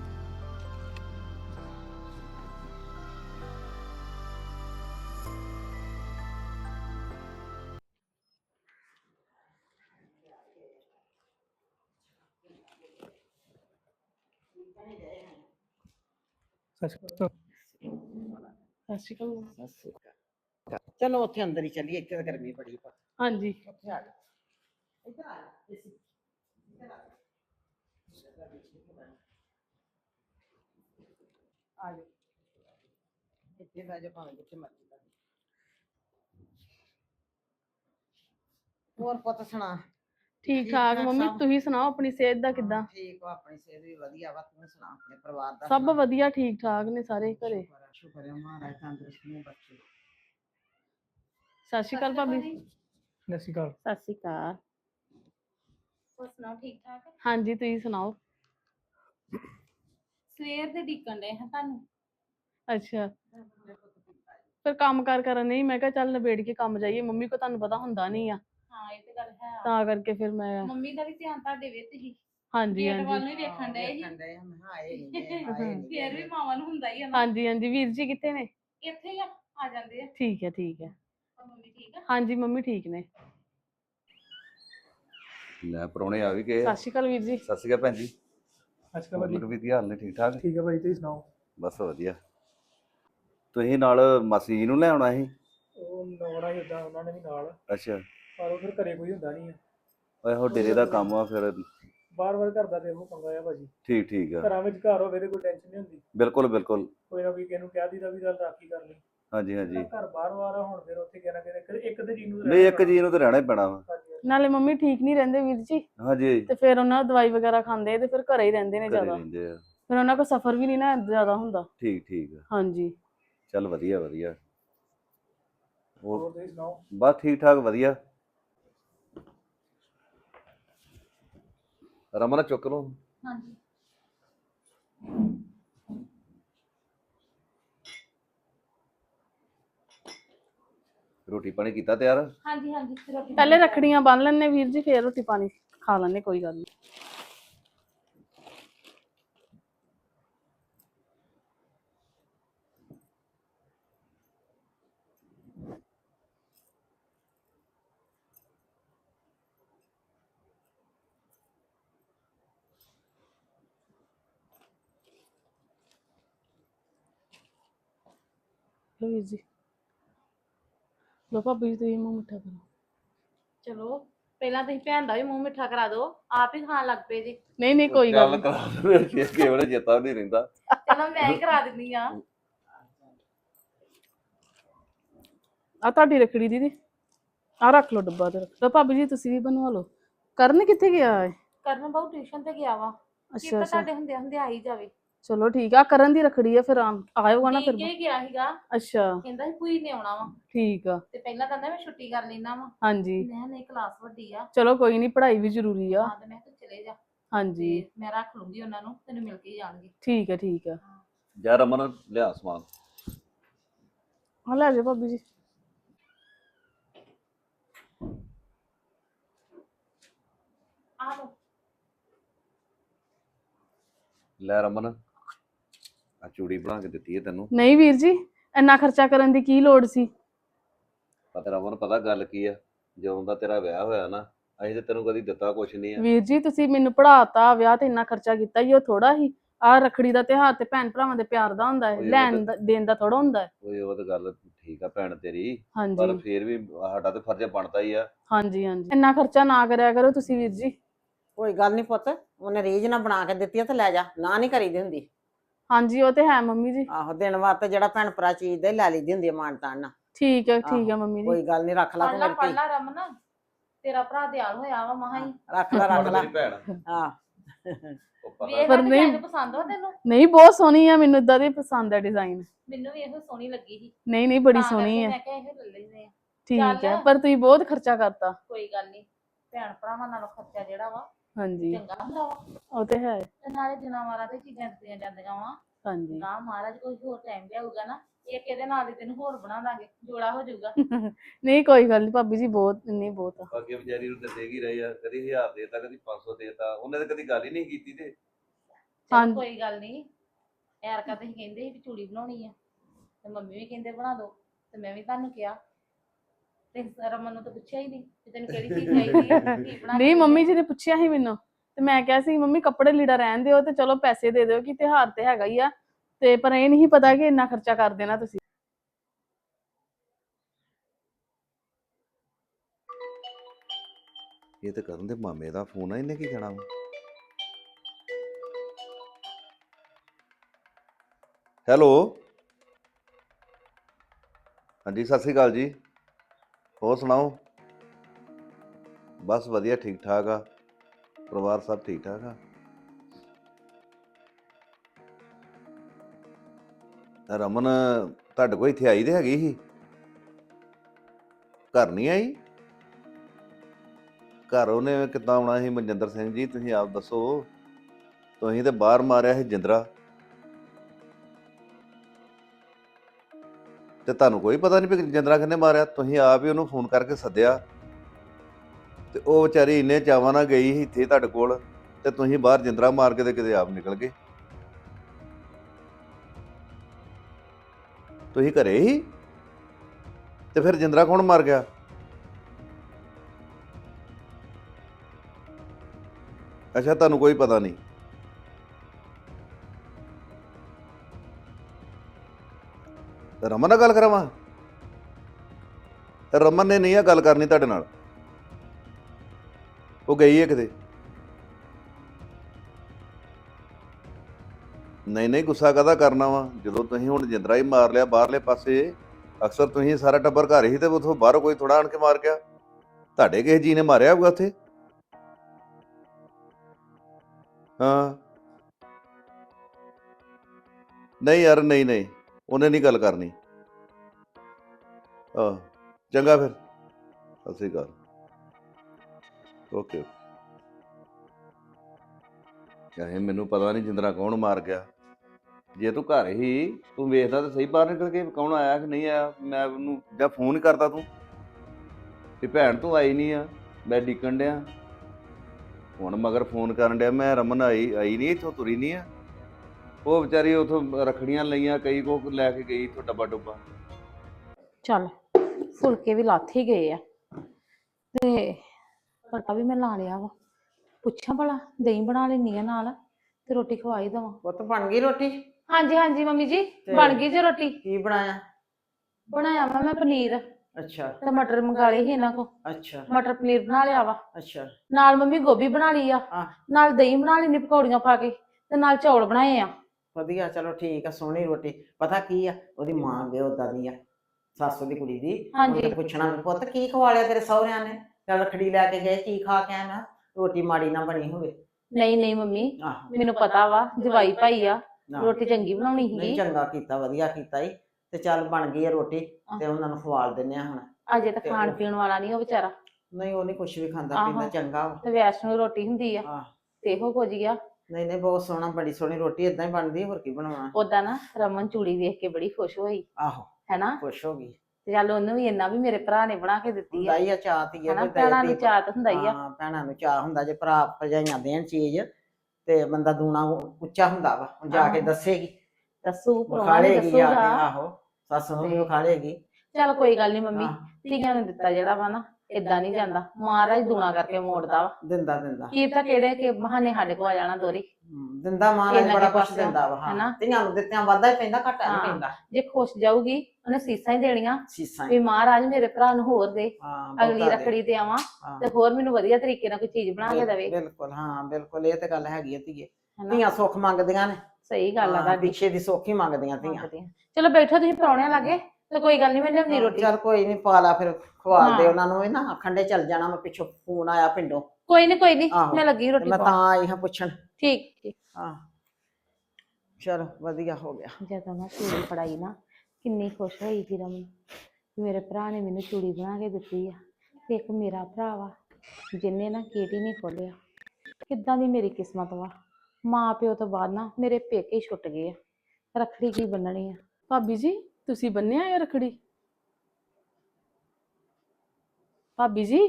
ਸਤਿ ਸ਼੍ਰੀ ਅਕਾਲ।
ਸਤਿ ਸ਼੍ਰੀ ਅਕਾਲ।
ਚਲੋ ਉੱਥੇ ਅੰਦਰ ਹੀ ਚੱਲੀਏ, ਇੱਥੇ ਤਾਂ ਗਰਮੀ ਬੜੀ ਆ।
ਹਾਂਜੀ
ਉੱਥੇ ਆ ਜਾ, ਇੱਧਰ ਆ ਜਾ, ਇੱਧਰ ਆ ਜਾ। ਆ ਜਾ, ਇੱਥੇ ਬਹਿ ਜਾ, ਭਾਵੇਂ ਜਿੱਥੇ ਮਰਜ਼ੀ ਬਹਿ ਜਾ। ਹੋਰ ਪੁੱਤ ਸੁਣਾ?
ਠੀਕ
ਠੀਕ
ਠਾਕ
ਠਾਕ
ਮੰਮੀ,
ਸਭ?
ਤੁਸੀਂ ਸੁਣਾਓ ਆਪਣੀ ਸਿਹਤ ਦਾ ਕਿੱਦਾਂ?
ਠੀਕ ਵਾ, ਆਪਣੀ ਸਿਹਤ ਵੀ ਵਧੀਆ ਵਾ। ਤੂੰ ਸੁਣਾ ਆਪਣੇ ਪਰਿਵਾਰ ਦਾ?
ਸਭ ਵਧੀਆ ਠੀਕ ਠਾਕ ਨੇ ਸਾਰੇ ਘਰੇ।
ਸ਼ੁਕਰ ਹੈ ਮਹਾਰਾਜ ਤੰਦਰੁਸਤ ਨੇ ਬੱਚੇ।
ਸਤਿ ਸ਼੍ਰੀ ਅਕਾਲ ਭਾਬੀ।
ਸਤਿ ਸ਼੍ਰੀ ਅਕਾਲ।
ਸਤਿ ਸ਼੍ਰੀ ਅਕਾਲ।
ਹੋਰ ਸੁਣਾਓ, ਠੀਕ ਠਾਕ?
ਹਾਂਜੀ ਤੁਸੀਂ ਸੁਣਾਓ।
ਸਵੇਰ ਦੇ ਢੀਕਣ ਡਏ ਹਾਂ ਤੁਹਾਨੂੰ।
ਅੱਛਾ ਫਿਰ ਕੰਮ ਕਾਰ ਕਰਨ ਨਹੀਂ, ਮੈਂ ਕਿਹਾ ਚੱਲ ਨਿਬੇੜ ਕੇ ਕੰਮ ਜਾਈਏ, ਮੰਮੀ ਕੋ ਤੁਹਾਨੂੰ ਪਤਾ ਹੁੰਦਾ ਨਹੀਂ ਆ,
ਹਾਂ ਇਹ ਤੇ ਗੱਲ ਹੈ।
ਤਾਂ ਕਰਕੇ ਫਿਰ ਮੈਂ
ਮੰਮੀ ਦਾ ਵੀ ਧਿਆਨ ਤੁਹਾਡੇ ਵਿੱਚ ਹੀ।
ਹਾਂਜੀ
ਗੇਟ ਵੱਲ
ਹਾਂਜੀ
ਨੂੰ ਹੀ ਵੇਖਣ ਡਏ ਸੀ।
ਵੇਖਣ ਡਏ ਆ, ਮੈਂ ਕਿਹਾ ਆਏ ਨੀ ਗੇ, ਆਏ ਨੀ
ਫੇਰ ਵੀ
ਗੇ।
ਮਾਵਾਂ ਨੂੰ ਹੁੰਦਾ ਹੀ ਆ ਨਾ।
ਹਾਂਜੀ ਹਾਂਜੀ ਵੀਰ ਜੀ ਕਿੱਥੇ ਨੇ?
ਇੱਥੇ ਹੀ ਆ ਜਾਂਦੇ ਆ।
ਠੀਕ ਹੈ ਠੀਕ ਹੈ।
ਹੋਰ ਮੰਮੀ ਠੀਕ ਆ?
ਹਾਂਜੀ ਮੰਮੀ ਠੀਕ ਨੇ।
ਲੈ ਪ੍ਰਾਹੁਣੇ ਆ ਵੀ ਗਏ ਆ।
ਸਤਿ ਸ਼੍ਰੀ ਅਕਾਲ ਵੀਰ ਜੀ।
ਸਤਿ ਸ਼੍ਰੀ ਅਕਾਲ ਭੈਣ ਜੀ।
ਸਤਿ ਸ਼੍ਰੀ ਅਕਾਲ
ਹੋਰ
ਭਾਜੀ।
ਲਖਵੀਰ ਕੀ ਹਾਲ ਨੇ? ਠੀਕ ਠਾਕ?
ਠੀਕ ਹੈ ਭਾਜੀ, ਤੁਸੀਂ ਸੁਣਾਓ?
ਬਸ ਵਧੀਆ। ਤੁਸੀਂ ਨਾਲ ਮਾਸੀ ਜੀ ਨੂੰ ਲੈ ਆਉਣਾ ਸੀ?
ਉਹ ਨੌਣਾ ਹੀ ਏਦਾਂ, ਉਹਨਾਂ ਨੇ ਵੀ ਨਾਲ,
ਅੱਛਾ।
ਪਰ ਉਹ ਫਿਰ ਘਰੇ ਕੋਈ ਹੁੰਦਾ ਨਹੀਂ ਆ।
ਓਏ ਹੋ ਡੇਰੇ ਦਾ ਕੰਮ ਆ ਫਿਰ।
ਬਾਰ-ਬਾਰ ਘਰ ਦਾ ਤੇ ਇਹੋ ਪੰਗਾ ਆ ਭਾਜੀ।
ਠੀਕ ਠੀਕ ਆ।
ਘਰਾਂ ਵਿੱਚ ਘਰ ਹੋਵੇ ਤੇ ਕੋਈ ਟੈਨਸ਼ਨ ਨਹੀਂ ਹੁੰਦੀ,
ਬਿਲਕੁਲ ਬਿਲਕੁਲ।
ਕੋਈ ਨਾ ਕੋਈ ਕਿਸੇ ਨੂੰ ਕਹਿ ਦੀਦਾ ਵੀ ਚੱਲ ਰਾਖੀ ਕਰ ਲਈ।
ਹਾਂਜੀ ਹਾਂਜੀ।
ਘਰ ਬਾਰ-ਬਾਰ ਆ, ਹੁਣ ਫਿਰ ਉੱਥੇ ਕਹਿਣਾ ਕਿ ਇੱਕ ਤੇ ਜੀ ਨੂੰ
ਨਹੀਂ ਇੱਕ ਜੀ ਨੂੰ ਤਾਂ ਰਹਿਣਾ ਹੀ ਪੈਣਾ ਵਾ।
ਨਾਲੇ ਮੰਮੀ ਠੀਕ ਨਹੀਂ ਰਹਿੰਦੇ ਵੀਰ ਜੀ,
ਹਾਂਜੀ।
ਤੇ ਫਿਰ ਉਹਨਾਂ ਦਵਾਈ ਵਗੈਰਾ ਖਾਂਦੇ ਤੇ ਫਿਰ ਘਰੇ ਹੀ ਰਹਿੰਦੇ ਨੇ
ਘਰੇ
ਜ਼ਿਆਦਾ,
ਰਹਿੰਦੇ ਆ।
ਫਿਰ ਉਹਨਾਂ ਕੋਲ ਸਫ਼ਰ ਵੀ ਨਹੀਂ ਨਾ ਜ਼ਿਆਦਾ ਹੁੰਦਾ।
ਠੀਕ ਠੀਕ ਆ।
ਹਾਂਜੀ
ਚੱਲ ਵਧੀਆ ਵਧੀਆ।
ਹੋਰ
ਹੋਰ
ਤੁਸੀਂ ਸੁਣਾਓ?
ਬਸ ਠੀਕ ਠਾਕ ਵਧੀਆ। ਰਮਨ ਚੁੱਕ ਲਓ।
ਹਾਂਜੀ
ਰੋਟੀ ਪਾਣੀ ਕੀਤਾ ਤਿਆਰ?
ਹਾਂਜੀ ਹਾਂਜੀ। ਰੋਟੀ
ਪਹਿਲੇ ਰੱਖੜੀਆਂ ਬੰਨ ਲੈਣੇ ਵੀਰ ਜੀ, ਫਿਰ ਰੋਟੀ ਪਾਣੀ ਖਾ ਲੈਣੇ, ਕੋਈ ਗੱਲ ਨਹੀਂ। ਲਓ ਵੀਰ ਜੀ, ਲੋ ਭਾਬੀ ਜੀ ਤੁਸੀਂ ਮੂੰਹ ਮਿੱਠਾ ਕਰੋ।
ਚਲੋ ਪਹਿਲਾਂ ਤੁਸੀਂ ਭੈਣ ਦਾ ਵੀ ਮੂੰਹ ਮਿੱਠਾ ਕਰਾ ਦਿਓ, ਆਪ ਹੀ ਖਾਣ ਲੱਗ ਪਏ ਜੀ।
ਨਹੀਂ ਨਹੀਂ ਕੋਈ ਗੱਲ
ਚੱਲ
ਨਹੀਂ।
ਕਰਾ ਦੇ, ਕਿਸੇ ਵੇਲੇ ਚੇਤਾ ਨਹੀਂ ਰਹਿੰਦਾ।
ਚਲੋ ਮੈਂ ਹੀ ਕਰਾ ਦਿੰਦੀ ਆ।
ਆ ਤੁਹਾਡੀ ਰੱਖੜੀ ਦੀਦੀ, ਆ ਰੱਖ ਲਓ ਡੱਬਾ ਤੇ ਰੱਖ ਲਓ। ਭਾਬੀ ਜੀ ਤੁਸੀਂ ਵੀ ਬਣਵਾ ਲਓ। ਕਰਨ ਕਿੱਥੇ ਗਿਆ ਹੈ?
ਕਰਨ ਬਹੁ ਟਿਊਸ਼ਨ ਤੇ ਗਿਆ ਵਾ। ਕੀ
ਅੱਛਾ
ਪਤਾ
ਅੱਛਾ
ਤੁਹਾਡੇ ਹੁੰਦੇ ਹੁੰਦੇ ਆ ਹੀ ਜਾਵੇ।
ਚਲੋ ਠੀਕ ਆ, ਕਰਨ ਦੀ ਰੱਖੜੀ ਆ, ਫਿਰ ਆਇਓਗਾ ਨਾ ਫਿਰ।
ਠੀਕ ਹੀ ਗਿਆ ਸੀਗਾ,
ਅੱਛਾ
ਕਹਿੰਦਾ ਸੀ ਭੂਈ ਨੇ ਆਉਣਾ ਵਾ,
ਠੀਕ ਆ।
ਤੇ ਪਹਿਲਾਂ ਕਹਿੰਦਾ ਮੈਂ ਛੁੱਟੀ ਕਰ ਲੈਣਾ ਵਾ।
ਹਾਂਜੀ
ਮੈਂ ਕਿਹਾ ਨਹੀਂ ਕਲਾਸ ਵੱਡੀ ਆ।
ਚਲੋ ਕੋਈ ਨਹੀਂ, ਪੜ੍ਹਾਈ ਵੀ ਜ਼ਰੂਰੀ ਆ।
ਹਾਂ ਤੇ ਮੈਂ ਕਿਹਾ ਤੂੰ ਚਲੇ ਜਾ,
ਹਾਂਜੀ
ਤੇ ਮੈਂ ਰੱਖ ਲੂੰਗੀ ਉਹਨਾਂ ਨੂੰ, ਤੈਨੂੰ ਮਿਲ ਕੇ ਹੀ ਜਾਣਗੇ।
ਠੀਕ ਹੈ ਠੀਕ ਹੈ।
ਜਾ ਰਮਨ ਲਿਆ ਸਮਾਨ।
ਹਾਂ ਲੈ ਜਾਓ ਭਾਬੀ ਜੀ।
ਆ ਲਓ।
ਲੈ ਰਮਨ ਆ ਚੂੜੀ ਬਣਾ ਕੇ ਦਿੱਤੀ ਹੈ ਤੈਨੂੰ।
ਨਹੀਂ ਵੀਰ ਜੀ, ਇੰਨਾ ਖਰਚਾ ਕਰਨ ਦੀ ਕੀ ਲੋੜ ਸੀ?
ਪਤਾ ਰਮਨ ਪਤਾ ਗੱਲ ਕੀ ਆ, ਜਦੋਂ ਦਾ ਤੇਰਾ ਵਿਆਹ ਹੋਇਆ ਨਾ, ਅਸੀਂ ਤੇ ਤੈਨੂੰ ਕਦੀ ਦਿੱਤਾ ਕੁਛ ਨਹੀਂ ਆ।
ਵੀਰ ਜੀ ਤੁਸੀਂ ਮੈਨੂੰ ਪੜਾਤਾ, ਵਿਆਹ ਤੇ ਇੰਨਾ ਖਰਚਾ ਕੀਤਾ ਹੀ, ਉਹ ਥੋੜਾ ਹੀ। ਆ ਰੱਖੜੀ ਦਾ ਤਿਉਹਾਰ ਤੇ ਭੈਣ ਭਰਾਵਾਂ ਦੇ ਪਿਆਰ ਦਾ ਹੁੰਦਾ ਹੈ,
ਉਹੀ ਉਹ
ਲੈਣ ਦੇਣ ਦਾ ਥੋੜਾ ਹੁੰਦਾ ਹੈ।
ਉਹ ਤਾਂ ਗੱਲ ਠੀਕ ਆ ਭੈਣ ਤੇਰੀ, ਪਰ
ਹਾਂਜੀ
ਫੇਰ ਵੀ ਸਾਡਾ ਤੇ ਫਰਜ਼ ਬਣਦਾ ਹੀ ਆ।
ਹਾਂਜੀ ਹਾਂਜੀ, ਇੰਨਾ ਖਰਚਾ ਨਾ ਕਰਿਆ ਕਰੋ ਤੁਸੀਂ ਵੀਰ ਜੀ।
ਕੋਈ ਗੱਲ ਨਹੀਂ ਪੁੱਤ, ਉਹਨੇ ਰੀਝ ਨਾਲ ਬਣਾ ਕੇ ਦਿੱਤੀ ਆ ਤੇ ਲੈ ਜਾ, ਨਾ ਨਹੀਂ ਕਰੀਦੀ ਹੁੰਦੀ।
ਹਾਂਜੀ ਉਹ ਤੇ ਹੈ ਮੰਮੀ ਜੀ।
ਆਹੋ ਦਿਨ ਵਾਸਤੇ ਜਿਹੜਾ ਭੈਣ ਭਰਾ ਚੀਜ਼ ਦੇ ਲੈ ਲਈਦੀ ਹੁੰਦੀ ਆ ਮਾਣ ਤਾਣ ਨਾਲ।
ਠੀਕ ਹੈ ਮੰਮੀ ਜੀ।
ਕੋਈ ਗੱਲ ਨਹੀਂ, ਰੱਖ ਲਾ ਤੂੰ ਮੇਰੀ
ਪੜ
ਧੀ,
ਲਾ ਰਮਨ, ਤੇਰਾ ਭਰਾ ਦਿਆਲ ਹੋਇਆ ਵਾ ਮਹਾ ਹੀ।
ਰੱਖ ਲਾ ਰੱਖ ਲਾ।
ਮੇਰੀ ਭੈਣ
ਹਾਂ
ਉਹ ਪਤਾ
ਵੇਖ
ਪਰ
ਲੈ
ਨਹੀਂ-
ਡਿਜ਼ਾਈਨ ਪਸੰਦ ਆ ਤੈਨੂੰ?
ਨਹੀਂ ਬਹੁਤ ਸੋਹਣੀ ਆ, ਮੈਨੂੰ ਇਦਾਂ ਦੀ ਪਸੰਦ ਹੈ ਡਿਜ਼ਾਈਨ।
ਮੈਨੂੰ ਵੀ ਇਹੋ ਸੋਹਣੀ ਲੱਗੀ ਸੀ,
ਨਹੀਂ ਨਹੀਂ ਬੜੀ
ਤਾਂ
ਸੋਹਣੀ
ਕਰਕੇ
ਹੈ।
ਮੈਂ ਕਿਹਾ ਇਹ ਲੈ ਲੈਂਦੇ ਆ।
ਠੀਕ
ਚੱਲ।
ਹੈ, ਪਰ ਤੁਸੀਂ ਬਹੁਤ ਖਰਚਾ ਕਰਤਾ।
ਕੋਈ ਗੱਲ ਨਹੀਂ, ਭੈਣ ਭਰਾਵਾਂ ਨਾਲੋਂ ਖਰਚਾ ਜਿਹੜਾ ਵਾ
ਹਾਂਜੀ,
ਚੰਗਾ ਹੁੰਦਾ ਵਾ।
ਉਹ ਤੇ ਹੈ।
ਤੇ ਨਾਲੇ ਜਨਾਵਾਰਾਂ ਤੇ ਚੀਜ਼ਾਂ ਦਿੱਤੀਆਂ ਜਾਂਦੀਆਂ ਵਾ।
ਹਾਂਜੀ।
ਨਾ ਮਹਾਰਾਜ ਕੋਈ ਹੋਰ ਟਾਈਮ ਲਿਆਊਗਾ ਨਾ, ਇੱਕ ਇਹਦੇ ਨਾਲ ਹੀ ਤੈਨੂੰ ਹੋਰ ਬਣਾ ਦਾਂਗੇ, ਜੋੜਾ ਹੋ ਜਾਊਗਾ।
ਨਹੀਂ ਕੋਈ ਗੱਲ ਨਹੀਂ ਭਾਬੀ ਜੀ, ਬਹੁਤ ਇੰਨੀ ਬਹੁਤ ਆ।
ਅੱਗੇ ਵਿਚਾਰੀ ਨੂੰ ਤੇ ਦੇ ਹੀ ਰਹੇ ਆ, ਕਦੀ 1000 ਦੇਤਾ, ਕਦੀ 500 ਦੇਤਾ, ਉਹਨੇ ਤਾਂ ਕਦੀ ਗੱਲ ਹੀ ਨਹੀਂ ਕੀਤੀ ਤੇ
ਚਲੋ
ਹਾਂਜੀ।
ਕੋਈ ਗੱਲ ਨਹੀਂ, ਐਰਕਾ ਤੁਸੀਂ ਕਹਿੰਦੇ ਸੀ ਵੀ ਚੂੜੀ ਬਣਾਉਣੀ ਆ, ਤੇ ਮੰਮੀ ਵੀ ਕਹਿੰਦੇ ਬਣਾ ਦੋ, ਤੇ ਮੈਂ ਵੀ ਤੁਹਾਨੂੰ ਕਿਹਾ। ਤੇ ਰਮਨ ਨੂੰ ਤਾਂ ਪੁੱਛਿਆ ਹੀ ਨਹੀਂ ਕਿ ਤੈਨੂੰ ਕਿਹੜੀ ਚੀਜ਼ ਚਾਹੀਦੀ ਹੈ, ਕੀ ਬਣਾ ਕੇ
ਨਹੀਂ, ਮੰਮੀ
ਦੇਈਏ।
ਜੀ ਨੇ ਪੁੱਛਿਆ ਸੀ ਮੈਨੂੰ, ਤੇ ਮੈਂ ਕਿਹਾ ਸੀ ਮੰਮੀ ਕੱਪੜੇ ਲੀੜਾ ਰਹਿਣ ਦਿਓ, ਤੇ ਚਲੋ ਪੈਸੇ ਦੇ ਦਿਓ ਕਿ ਤਿਉਹਾਰ ਤੇ ਹੈਗਾ ਹੀ ਆ, ਤੇ ਪਰ ਇਹ ਨਹੀਂ ਪਤਾ ਕਿ ਇੰਨਾ ਖਰਚਾ ਕਰ ਦੇਣਾ ਤੁਸੀਂ।
ਇਹ ਤੇ ਕਰਨ ਦੇ ਮਾਮੇ ਦਾ ਫੋਨ ਆ, ਇਹਨੇ ਕੀ ਕਹਿਣਾ ਵਾ? ਹੈਲੋ, ਹਾਂਜੀ ਸਤਿ ਸ੍ਰੀ ਅਕਾਲ ਜੀ। ਹੋਰ ਸੁਣਾਓ? ਬਸ ਵਧੀਆ, ਠੀਕ ਠਾਕ ਆ, ਪਰਿਵਾਰ ਸਭ ਠੀਕ ਠਾਕ ਆ। ਰਮਨ ਤੁਹਾਡੇ ਕੋਲ ਇੱਥੇ ਆਈ ਤੇ ਹੈਗੀ ਸੀ, ਘਰ ਨਹੀਂ ਆਈ? ਘਰ ਉਹਨੇ ਕਿੱਦਾਂ ਆਉਣਾ ਸੀ ਮਨਜਿੰਦਰ ਸਿੰਘ ਜੀ, ਤੁਸੀਂ ਆਪ ਦੱਸੋ। ਤੁਸੀਂ ਤੇ ਬਾਹਰ ਮਾਰਿਆ ਸੀ ਜਿੰਦਰਾ, ਤੇ ਤੁਹਾਨੂੰ ਕੋਈ ਪਤਾ ਨਹੀਂ ਵੀ ਜਿੰਦਰਾ ਕਿਹਨੇ ਮਾਰਿਆ? ਤੁਸੀਂ ਆਪ ਹੀ ਉਹਨੂੰ ਫੋਨ ਕਰਕੇ ਸੱਦਿਆ, ਤੇ ਉਹ ਵਿਚਾਰੀ ਇੰਨੇ ਚਾਵਾਂ ਨਾਲ ਗਈ ਸੀ ਇੱਥੇ ਤੁਹਾਡੇ ਕੋਲ, ਤੇ ਤੁਸੀਂ ਬਾਹਰ ਜਿੰਦਰਾ ਮਾਰ ਕੇ ਤੇ ਕਿਤੇ ਆਪ ਨਿਕਲ ਗਏ। ਤੁਸੀਂ ਘਰੇ ਹੀ ਤੇ ਫਿਰ ਜਿੰਦਰਾ ਕੌਣ ਮਾਰ ਗਿਆ? ਅੱਛਾ, ਤੁਹਾਨੂੰ ਕੋਈ ਪਤਾ ਨਹੀਂ? ਰਮਨ ਨਾਲ ਗੱਲ ਕਰਾਵਾਂ? ਰਮਨ ਨੇ ਨਹੀਂ ਆ ਗੱਲ ਕਰਨੀ ਤੁਹਾਡੇ ਨਾਲ, ਉਹ ਗਈ ਹੈ ਕਿਤੇ। ਨਹੀਂ ਨਹੀਂ, ਗੁੱਸਾ ਕਾਹਦਾ ਕਰਨਾ ਵਾ, ਜਦੋਂ ਤੁਸੀਂ ਹੁਣ ਜਿੰਦਰਾ ਹੀ ਮਾਰ ਲਿਆ ਬਾਹਰਲੇ ਪਾਸੇ, ਅਕਸਰ ਤੁਸੀਂ ਸਾਰਾ ਟੱਬਰ ਘਰ ਹੀ, ਤੇ ਉਥੋਂ ਬਾਹਰੋਂ ਕੋਈ ਥੋੜਾ ਆਣ ਕੇ ਮਾਰ ਗਿਆ? ਤੁਹਾਡੇ ਕਿਸੇ ਜੀ ਨੇ ਮਾਰਿਆ ਹੋਊਗਾ ਉੱਥੇ। ਹਾਂ, ਨਹੀਂ ਯਾਰ, ਨਹੀਂ ਨਹੀਂ, ਉਹਨੇ ਨਹੀਂ ਗੱਲ ਕਰਨੀ। ਆਹ ਚੰਗਾ ਫਿਰ, ਸਤਿ ਸ਼੍ਰੀ ਅਕਾਲ, ਓਕੇ। ਚਾਹੇ ਮੈਨੂੰ ਪਤਾ ਨਹੀਂ ਜਿੰਦਰਾ ਕੌਣ ਮਾਰ ਗਿਆ, ਜੇ ਤੂੰ ਘਰ ਹੀ, ਤੂੰ ਵੇਖਦਾ ਤਾਂ ਸਹੀ ਬਾਹਰ ਨਿਕਲ ਕੇ ਕੌਣ ਆਇਆ ਕਿ ਨਹੀਂ ਆਇਆ। ਮੈਂ ਉਹਨੂੰ ਜਾਂ ਫੋਨ ਹੀ ਕਰਦਾ ਤੂੰ ਵੀ ਭੈਣ ਤੂੰ ਆਈ ਨਹੀਂ ਆ, ਮੈਂ ਡਿੱਕਣ ਡਿਆ। ਹੁਣ ਮਗਰ ਫੋਨ ਕਰਨ ਡਿਆ ਮੈਂ, ਰਮਨ ਆਈ ਨਹੀਂ, ਇੱਥੋਂ ਤੁਰੀ ਨਹੀਂ ਆ। ਉਹ ਵਿਚਾਰੀ ਉਥੋਂ ਰੱਖੜੀਆਂ ਲਈਆਂ, ਕਈ ਕੋ ਲੈ ਕੇ ਗਈ ਇੱਥੋਂ ਡੱਬਾ ਡੁੱਬਾ।
ਚੱਲ ਫੁਲਕੇ ਵੀ ਲੱਥ ਹੀ ਗਏ ਆ, ਤੇ ਤੜਕਾ ਵੀ ਮੈਂ ਲਾ ਲਿਆ ਵਾ। ਪੁੱਛਾਂ ਭਲਾ, ਦਹੀਂ ਬਣਾ ਲੈਣੀ ਆ ਨਾਲ, ਤੇ ਰੋਟੀ ਖਵਾਈ ਦੇਵਾਂ।
ਪੁੱਤ ਬਣ ਗਈ ਰੋਟੀ?
ਹਾਂਜੀ ਹਾਂਜੀ ਮੰਮੀ ਜੀ,
ਤੇ
ਬਣ ਗਈ ਜੇ ਰੋਟੀ।
ਕੀ ਬਣਾਇਆ?
ਬਣਾਇਆ ਵਾ ਮੈਂ ਪਨੀਰ,
ਅੱਛਾ
ਤੇ ਮਟਰ ਮੰਗਾ ਲਏ ਸੀ ਇਹਨਾਂ ਕੋ,
ਅੱਛਾ
ਮਟਰ ਪਨੀਰ ਬਣਾ ਲਿਆ ਵਾ।
ਅੱਛਾ।
ਨਾਲ ਮੰਮੀ ਗੋਭੀ ਬਣਾ ਲਈ ਆ,
ਆਹ
ਨਾਲ ਦਹੀਂ ਬਣਾ ਲੈਣੀ ਪਕੌੜੀਆਂ ਪਾ ਕੇ, ਤੇ ਨਾਲ ਚੌਲ ਬਣਾਏ ਆ।
ਵਧੀਆ, ਚਲੋ ਠੀਕ ਆ, ਸੋਹਣੀ ਰੋਟੀ। ਪਤਾ ਕੀ ਆ, ਉਹਦੀ ਮਾਂ ਵੀ ਉਦਾਂ ਦੀ ਆ, ਸੱਸ ਦੀ ਕੁੜੀ ਦੀ।
ਹਾਂਜੀ।
ਉਹਨੇ ਪੁੱਛਣਾ ਵੀ ਪੁੱਤ ਕੀ ਖਵਾ ਲਿਆ ਤੇਰੇ ਸਹੁਰਿਆਂ ਨੇ, ਚੱਲ ਰੱਖੜੀ ਲੈ ਕੇ ਗਏ, ਕੀ ਖਾ ਕੇ ਆਇਆ? ਮੈਂ ਰੋਟੀ ਮਾੜੀ ਨਾ ਬਣੀ ਹੋਵੇ।
ਨਹੀਂ ਨਹੀਂ ਮੰਮੀ,
ਆਹੋ,
ਮੈਨੂੰ ਪਤਾ ਵਾ ਜਵਾਈ ਭਾਈ ਆ,
ਆਹ,
ਰੋਟੀ ਚੰਗੀ ਬਣਾਉਣੀ
ਨਹੀਂ
ਸੀਗੀ।
ਚੰਗਾ ਕੀਤਾ, ਵਧੀਆ ਕੀਤਾ ਈ। ਤੇ ਚੱਲ ਬਣ ਗਈ ਆ ਰੋਟੀ, ਤੇ ਉਹਨਾਂ ਨੂੰ ਖਵਾਲ ਦਿੰਨੇ ਆ ਹੁਣ।
ਅਜੇ ਤਾਂ ਖਾਣ ਪੀਣ ਵਾਲਾ ਨਹੀਂ ਉਹ ਵਿਚਾਰਾ,
ਨਹੀਂ ਉਹ ਨਹੀਂ ਕੁਛ ਵੀ ਖਾਂਦਾ
ਆਹੋ।
ਪੀਂਦਾ, ਚੰਗਾ ਵਾ।
ਤੇ ਵੈਸ਼ਨੂੰ ਰੋਟੀ ਹੁੰਦੀ ਆ,
ਆਹ,
ਤੇ ਇਹੋ ਕੁਝ ਗਿਆ।
ਨਹੀਂ ਨਹੀਂ, ਬਹੁਤ ਸੋਹਣਾ, ਬੜੀ ਸੋਹਣੀ ਰੋਟੀ, ਏਦਾਂ ਹੀ ਬਣਦੀ, ਹੋਰ ਕੀ ਬਣਾਉਣਾ।
ਓਦਾਂ ਨਾ ਰਮਨ ਚੂੜੀ ਵੇਖ ਕੇ ਬੜੀ ਖੁਸ਼ ਹੋਈ,
ਆਹੋ,
ਹੈਨਾ।
ਖੁਸ਼ ਹੋ ਗਈ।
ਤੇ ਚੱਲ ਉਹਨੂੰ ਵੀ ਇੰਨਾ ਵੀ ਮੇਰੇ ਭਰਾ ਨੇ ਬਣਾ ਕੇ ਦਿੱਤੀ ਆ,
ਹੁੰਦਾ ਹੀ ਆ ਚਾਅ ਧੀਏ,
ਹੈਨਾ।
ਕੋਈ
ਭੈਣਾਂ ਨੂੰ
ਦੇ
ਚਾਅ ਤਾਂ ਹੁੰਦਾ ਹੀ ਆ।
ਹਾਂ, ਭੈਣਾਂ ਨੂੰ ਚਾਅ ਹੁੰਦਾ, ਜੇ ਭਰਾ ਭਰਜਾਈਆਂ ਦੇਣ ਚੀਜ਼ ਤੇ ਬੰਦਾ ਦੂਣਾ ਉੱਚਾ ਹੁੰਦਾ ਵਾ। ਹੁਣ ਜਾ ਕੇ
ਆਹੋ।
ਦੱਸੇਗੀ,
ਦੱਸੂ
ਵਿਖਾ
ਪ੍ਰਾਹੁਣਾ ਵੀ
ਲੇਗੀ ਆ ਕੇ,
ਦੱਸੂਗਾ।
ਆਹੋ, ਸੱਸ ਨੂੰ ਵੀ
ਤੇ
ਵਿਖਾ ਲੇਗੀ।
ਚੱਲ ਕੋਈ ਗੱਲ ਨਹੀਂ ਮੰਮੀ,
ਆਹ,
ਧੀਆਂ ਨੂੰ ਦਿੱਤਾ ਜਿਹੜਾ ਵਾ ਨਾ, ਏਦਾਂ ਨਹੀਂ ਜਾਂਦਾ, ਮਹਾਰਾਜ ਦੂਣਾ ਕਰਕੇ ਮੋੜਦਾ ਵਾ।
ਦਿੰਦਾ ਦਿੰਦਾ
ਕੀ ਤਾਂ ਕਿਹੜੇ ਕਿ ਬਹਾਨੇ ਸਾਡੇ ਕੋਲ ਆ ਜਾਣਾ ਦੋਰੀ।
ਦਿੰਦਾ, ਮਹਾਰਾਜ
ਇਹਨਾਂ
ਬੜਾ
ਦੇ
ਕੁਛ
ਪਾਸਿਓਂ,
ਦਿੰਦਾ ਵਾ। ਹਾਂ,
ਹੈਨਾ।
ਧੀਆਂ ਨੂੰ ਦਿੱਤਿਆਂ ਵਾਧਾ ਹੀ ਪੈਂਦਾ, ਘਾਟਾ ਨਹੀਂ
ਹਾਂ।
ਪੈਂਦਾ।
ਜੇ ਖੁਸ਼ ਜਾਊਗੀ ਉਹਨੇ ਸੀਸਾਂ ਹੀ ਦੇਣੀਆਂ
ਸੀਸਾਂ
ਵੀ
ਹੀ।
ਮਹਾਰਾਜ ਮੇਰੇ ਭਰਾ ਨੂੰ ਹੋਰ ਦੇ,
ਹਾਂ,
ਅਗਲੀ
ਬਹੁਤਾ ਦੇ।
ਰੱਖੜੀ ਤੇ ਆਵਾਂ
ਹਾਂ,
ਤੇ ਹੋਰ ਮੈਨੂੰ ਵਧੀਆ ਤਰੀਕੇ ਨਾਲ ਕੋਈ ਚੀਜ਼ ਬਣਾ ਕੇ ਦੇਵੇ,
ਬਿਲਕੁਲ, ਹਾਂ ਬਿਲਕੁਲ, ਇਹ ਤੇ ਗੱਲ ਹੈਗੀ ਆ ਧੀਏ।
ਹੈਨਾ।
ਧੀਆਂ ਸੁੱਖ ਮੰਗਦੀਆਂ ਨੇ।
ਸਹੀ ਗੱਲ ਆ
ਹਾਂ,
ਤੁਹਾਡੀ।
ਪਿੱਛੇ ਦੀ ਸੁੱਖ ਹੀ ਮੰਗਦੀਆਂ ਧੀਆਂ।
ਮੰਗਦੀਆਂ। ਚਲੋ ਬੈਠੋ ਤੁਸੀਂ ਪ੍ਰਾਹੁਣਿਆਂ ਲਾਗੇ, ਤੇ ਕੋਈ ਗੱਲ ਨਹੀਂ ਮੈਂ ਲਿਆਉਂਦੀ ਰੋਟੀ।
ਚੱਲ ਕੋਈ ਨਹੀਂ, ਪਾ ਲਾ ਫਿਰ, ਖਵਾਲ ਦੇ
ਹਾਂ।
ਉਹਨਾਂ ਨੂੰ ਵੀ ਨਾ, ਆਖਣ ਦੇ ਚੱਲ ਜਾਣਾ, ਮੈਂ ਪਿੱਛੋਂ ਫੋਨ ਆਇਆ ਪਿੰਡੋਂ।
ਕੋਈ ਨਹੀਂ ਕੋਈ ਨਹੀਂ,
ਆਹੋ,
ਮੈਂ ਲੱਗੀ
ਤੇ
ਰੋਟੀ
ਮੈਂ
ਪਾਉਣ।
ਤਾਂ ਆਈ ਹਾਂ ਪੁੱਛਣ।
ਠੀਕ ਠੀਕ।
ਹਾਂ, ਚਲੋ ਵਧੀਆ ਹੋ ਗਿਆ।
ਜਦੋਂ ਨਾ ਚੂੜੀ ਫੜਾਈ ਨਾ, ਕਿੰਨੀ ਖੁਸ਼ ਹੋਈ ਸੀ ਰਮਨ, ਮੇਰੇ ਭਰਾ ਨੇ ਮੈਨੂੰ ਚੂੜੀ ਬਣਾ ਕੇ ਦਿੱਤੀ ਆ ਤੇ ਇੱਕ ਮੇਰਾ ਭਰਾ ਵਾ ਜਿਹਨੇ ਨਾ ਗੇਟ ਹੀ ਨਹੀਂ ਖੋਲਿਆ। ਕਿੱਦਾਂ ਦੀ ਮੇਰੀ ਕਿਸਮਤ ਵਾ। ਮਾਂ ਪਿਓ ਤੋਂ ਬਾਅਦ ਨਾ ਮੇਰੇ ਪੇਕੇ ਹੀ ਛੁੱਟ ਗਏ ਆ। ਰੱਖੜੀ ਕੀ ਬੰਨਣੀ ਆ।
ਭਾਬੀ ਜੀ ਤੁਸੀਂ ਬੰਨਿਆ ਹੈ ਰੱਖੜੀ? ਭਾਬੀ ਜੀ